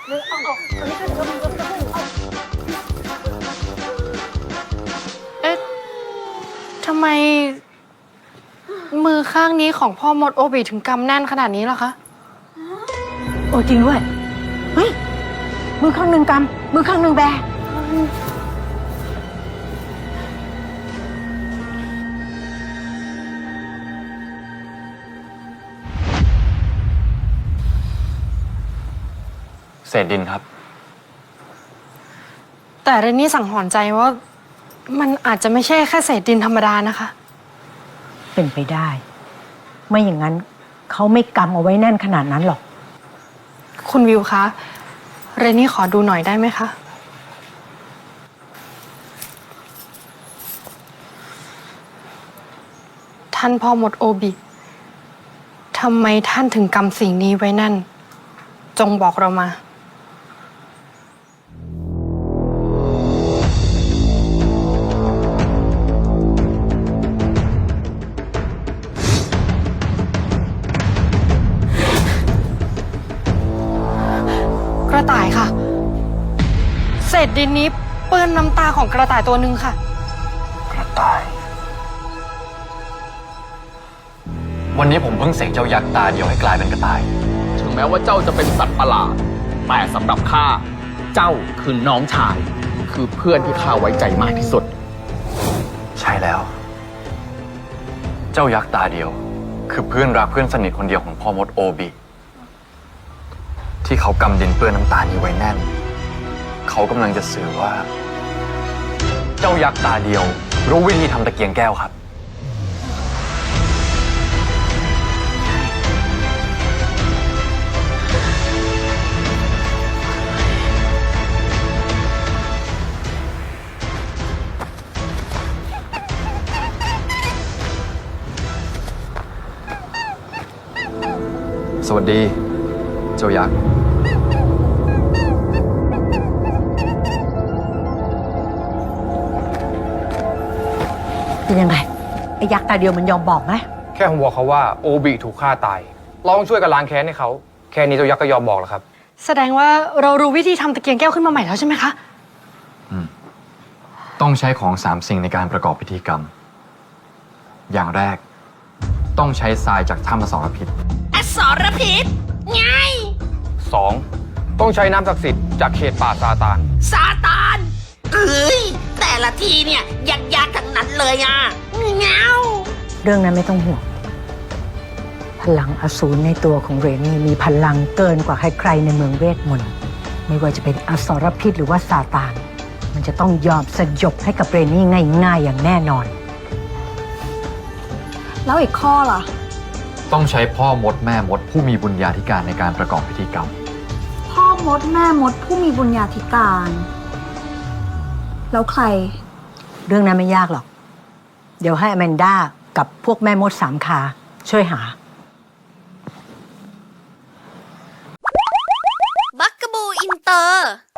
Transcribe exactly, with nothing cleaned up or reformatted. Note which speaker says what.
Speaker 1: เอ๊ะทำไมมือข้างนี้ของพ่อมดโอบิถึงกำแน่นขนาดนี้ล่ะคะ
Speaker 2: โอ้จริงด้วยเฮ้ยมือข้างหนึ่งกำมือข้างหนึ่งแบ
Speaker 3: เศษดินครับ
Speaker 1: แต่เรนนี่สังหรณ์ใจว่ามันอาจจะไม่ใช่แค่เศษดินธรรมดานะคะ
Speaker 2: เป็นไปได้ไม่อย่างนั้นเขาไม่กำเอาไว้แน่นขนาดนั้นหรอก
Speaker 1: คุณวิวคะเรนนี่ขอดูหน่อยได้ไหมคะท่านพ่อมดโอบิทำไมท่านถึงกำสิ่งนี้ไว้แน่นจงบอกเรามากระต่ายค่ะเศษดินนี้เปื้อนน้ำตาของกระต่ายตัวหนึ่งค่ะ
Speaker 3: กระต่าย วันนี้ผมเพิ่งเสกเจ้ายักษ์ตาเดียวให้กลายเป็นกระต่าย
Speaker 4: ถึงแม้ว่าเจ้าจะเป็นสัตว์ประหลาดแต่สำหรับข้าเจ้าคือน้องชายคือเพื่อนที่ข้าไว้ใจมากที่สุด
Speaker 3: ใช่แล้ว เจ้ายักษ์ตาเดียวคือเพื่อนรักเพื่อนสนิทคนเดียวของพ่อมดโอบิที่เขากำดินเปื้อนน้ำตานี้ไว้แน่นเขากำลังจะสื่อว่าเจ้ายักษ์ตาเดียวรู้วิธีทำตะเกียงแก้วครับสวัสดีเจ้ายักษ์
Speaker 2: เป็นยังไงไอ้ยักษ์ตาเดียวมันยอมบอกไหม
Speaker 5: แค่ผมบอกเขาว่าโอบิถูกฆ่าตายเราต้องช่วยกันล้างแค้นให้เขาแค่นี้เจ้ายักษ์ก็ยอมบอกแล้วครับ
Speaker 1: แสดงว่าเรารู้วิธีทำตะเกียงแก้วขึ้นมาใหม่แล้วใช่ไหมคะ
Speaker 3: อืมต้องใช้ของสามสิ่งในการประกอบพิธีกรรมอย่างแรกต้องใช้ทรายจากถ้ำอสรพิษ
Speaker 6: อสรพิษไง
Speaker 5: สองต้องใช้น้ำศักดิ์สิทธิ์จากเขตป่าซาตาน
Speaker 6: ซาตานเอ้ยแต่ละทีเนี่ยยากๆทั้งนั้นเลยอ่ะเงา
Speaker 2: เรื่องนั้นไม่ต้องห่วงพลังอสูรในตัวของเรนนี่มีพลังเกินกว่าใครๆในเมืองเวทมนต์ไม่ว่าจะเป็นอสรพิษหรือว่าซาตานมันจะต้องยอมสยบให้กับเรนนี่ง่ายๆอย่างแน่นอน
Speaker 1: แล้วอีกข้อล่ะ
Speaker 3: ต้องใช้พ่อมดแม่มดผู้มีบุญญาธิการในการประกอบพิธีกรรม
Speaker 1: พ่อมดแม่มดผู้มีบุญญาธิการแล้วใคร
Speaker 2: เรื่องนั้นไม่ยากหรอกเดี๋ยวให้อแมนด้ากับพวกแม่มดสามขาช่วยหา
Speaker 6: บักกะบูอินเตอร์